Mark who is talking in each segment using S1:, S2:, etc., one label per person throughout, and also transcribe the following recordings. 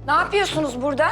S1: Ne yapıyorsunuz burada?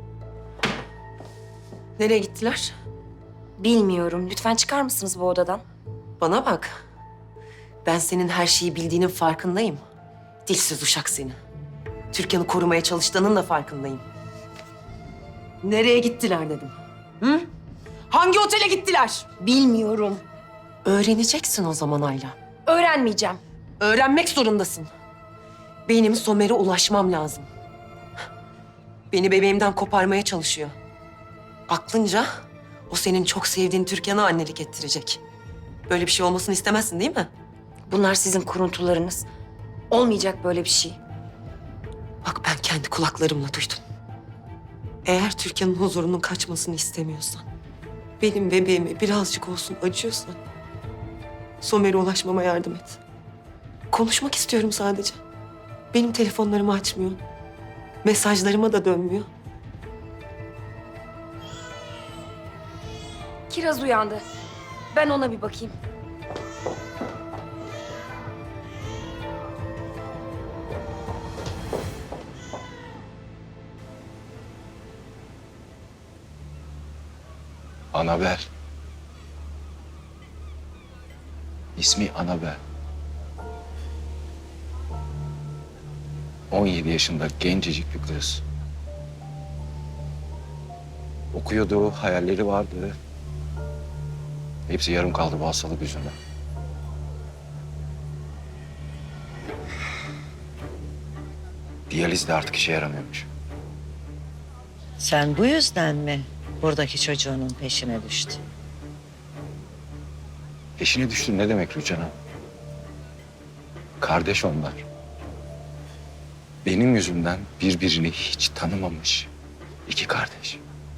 S2: Nereye gittiler?
S1: Bilmiyorum. Lütfen çıkar mısınız bu odadan?
S2: Bana bak. Ben senin her şeyi bildiğinin farkındayım. Dilsiz uşak seni. Türkan'ı korumaya çalıştığının da farkındayım. Nereye gittiler dedim. Hı? Hangi otele gittiler?
S1: Bilmiyorum.
S2: Öğreneceksin o zaman Ayla.
S1: Öğrenmeyeceğim.
S2: Öğrenmek zorundasın. Benim Somer'e ulaşmam lazım. Beni bebeğimden koparmaya çalışıyor. Aklınca o senin çok sevdiğin Türkan'a annelik ettirecek. Böyle bir şey olmasını istemezsin değil mi?
S1: Bunlar sizin kuruntularınız. Olmayacak böyle bir şey.
S2: Bak ben kendi kulaklarımla duydum. Eğer Türkan'ın huzurunun kaçmasını istemiyorsan, benim bebeğime birazcık olsun acıyorsan, Somer'e ulaşmama yardım et. Konuşmak istiyorum sadece. Benim telefonlarımı açmıyor. Mesajlarıma da dönmüyor.
S1: Kiraz uyandı. Ben ona bir bakayım.
S3: Anabel. İsmi Anabel. 17 yaşında gencecik bir kız. Okuyordu, hayalleri vardı. Hepsi yarım kaldı bu hastalık yüzünden. Diyaliz de artık işe yaramıyormuş.
S4: Sen bu yüzden mi buradaki çocuğunun peşine düştün?
S3: Peşine düştün ne demek Rüçhan Hanım? Kardeş onlar. Benim yüzümden birbirini hiç tanımamış iki kardeş.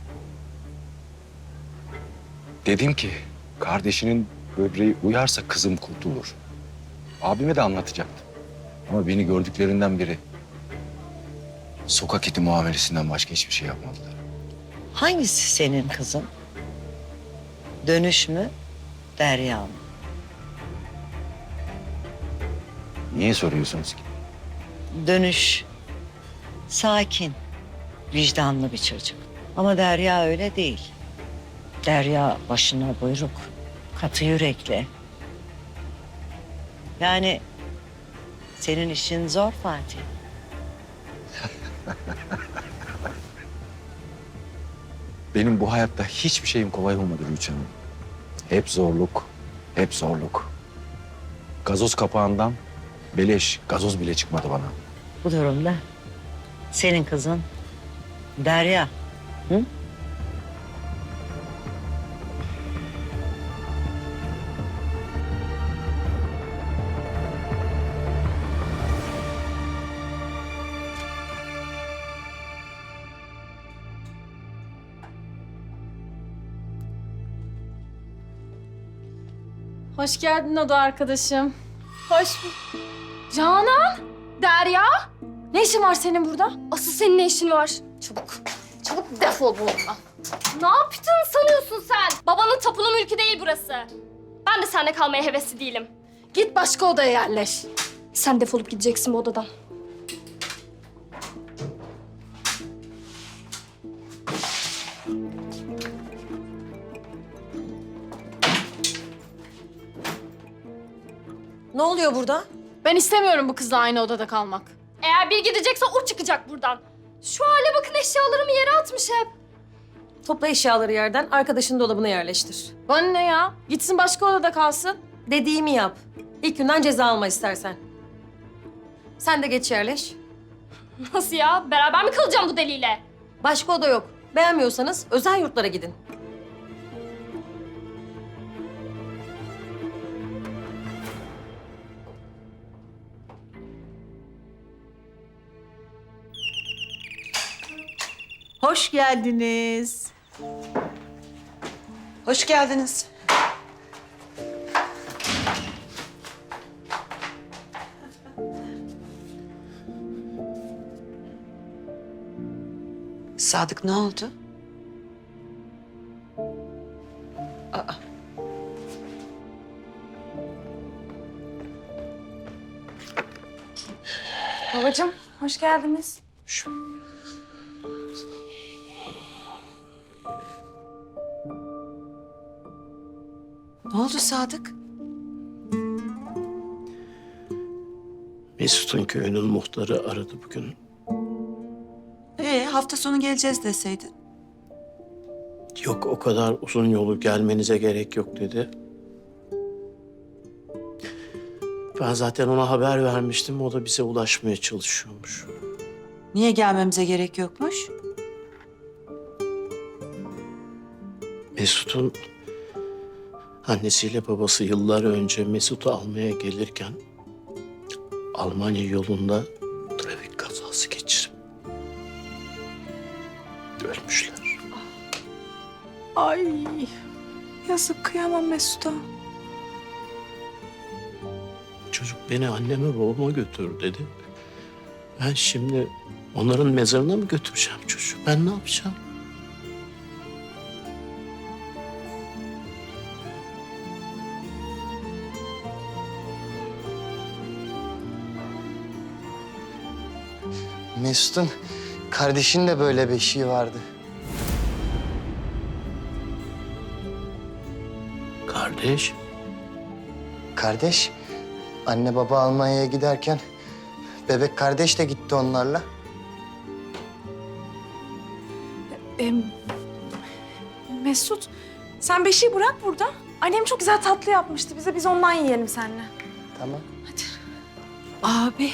S3: Dedim ki kardeşinin böbreği uyarsa kızım kurtulur. Abime de anlatacaktım. Ama beni gördüklerinden biri sokak iti muamelesinden başka hiçbir şey yapmadılar.
S4: Hangisi senin kızın? Dönüş mü, Derya mı?
S3: Niye soruyorsunuz ki?
S4: Dönüş sakin, vicdanlı bir çocuk. Ama Derya öyle değil. Derya başına buyruk, katı yürekli. Yani senin işin zor Fatih.
S3: Benim bu hayatta hiçbir şeyim kolay olmadı Rüçhan Hanım. Hep zorluk, hep zorluk. Gazoz kapağından beleş gazoz bile çıkmadı bana.
S4: Bu durumda senin kızın Derya. Hı?
S5: Hoş geldin oda arkadaşım. Hoş Canan! Derya! Ne işin var senin burada?
S6: Asıl senin ne işin var? Çabuk. Çabuk defol buradan. Ne yaptın sanıyorsun sen? Babanın tapulu mülkü değil burası. Ben de seninle kalmaya hevesli değilim.
S5: Git başka odaya yerleş.
S6: Sen defolup gideceksin bu odadan.
S2: Ne oluyor burada?
S5: Ben istemiyorum bu kızla aynı odada kalmak.
S6: Eğer bir gidecekse o çıkacak buradan. Şu hale bakın, eşyalarımı yere atmış hep.
S7: Topla eşyaları yerden, arkadaşın dolabına yerleştir.
S5: Bana ne ya? Gitsin başka odada kalsın.
S7: Dediğimi yap. İlk günden ceza alma istersen. Sen de geç yerleş.
S6: Nasıl ya? Beraber mi kalacağım bu deliyle?
S7: Başka oda yok. Beğenmiyorsanız özel yurtlara gidin.
S8: Hoş geldiniz.
S2: Hoş geldiniz. Sadık ne oldu?
S1: Babacığım, hoş geldiniz.
S2: Ne oldu Sadık?
S9: Mesut'un köyünün muhtarı aradı bugün.
S8: Hafta sonu geleceğiz deseydin.
S9: Yok, o kadar uzun yolu gelmenize gerek yok dedi. Ben zaten ona haber vermiştim. O da bize ulaşmaya çalışıyormuş.
S8: Niye gelmemize gerek yokmuş?
S9: Mesut'un annesiyle babası yıllar önce Mesut'u almaya gelirken Almanya yolunda trafik kazası geçirip ölmüşler.
S8: Ay, yazık, kıyamam Mesut'a.
S9: Çocuk beni anneme babama götür dedi. Ben şimdi onların mezarına mı götüreceğim çocuğu? Ben ne yapacağım?
S10: Mesut'un kardeşinin de böyle bir eşiği vardı.
S9: Kardeş,
S10: Kardeş, anne baba Almanya'ya giderken bebek kardeş de gitti onlarla.
S5: Mesut, sen beşiği bırak burada. Annem çok güzel tatlı yapmıştı bize. Biz ondan yiyelim seninle.
S10: Tamam.
S8: Abi,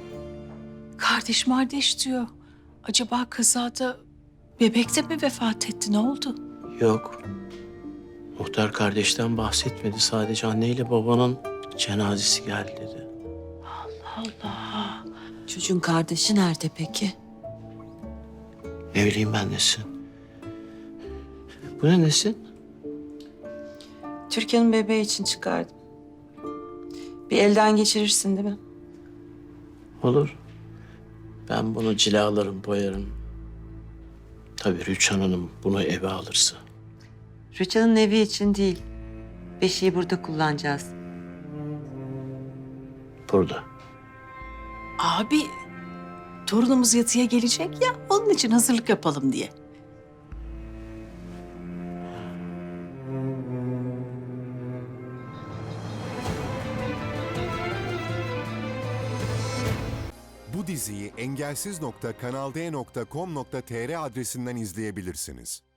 S8: kardeş diyor. Acaba kazada bebek de mi vefat etti? Ne oldu?
S9: yok. Muhtar kardeşten bahsetmedi. Sadece anneyle babanın cenazesi geldi dedi.
S8: Allah.
S2: Çocuğun kardeşi nerede peki?
S9: Ne bileyim ben Nesin. Bu ne Nesin?
S2: Türkan'ın bebeği için çıkardım. Bir elden geçirirsin değil mi?
S9: Olur. Ben bunu cilalarım, boyarım. Tabii Rüçhan Hanım bunu eve alırsa.
S2: Rüçhan'ın evi için değil. Beşiği burada kullanacağız.
S9: Burada.
S8: Abi, torunumuz yatıya gelecek ya, onun için hazırlık yapalım diye.
S11: Bu diziyi engelsiz.kanalde.com.tr adresinden izleyebilirsiniz.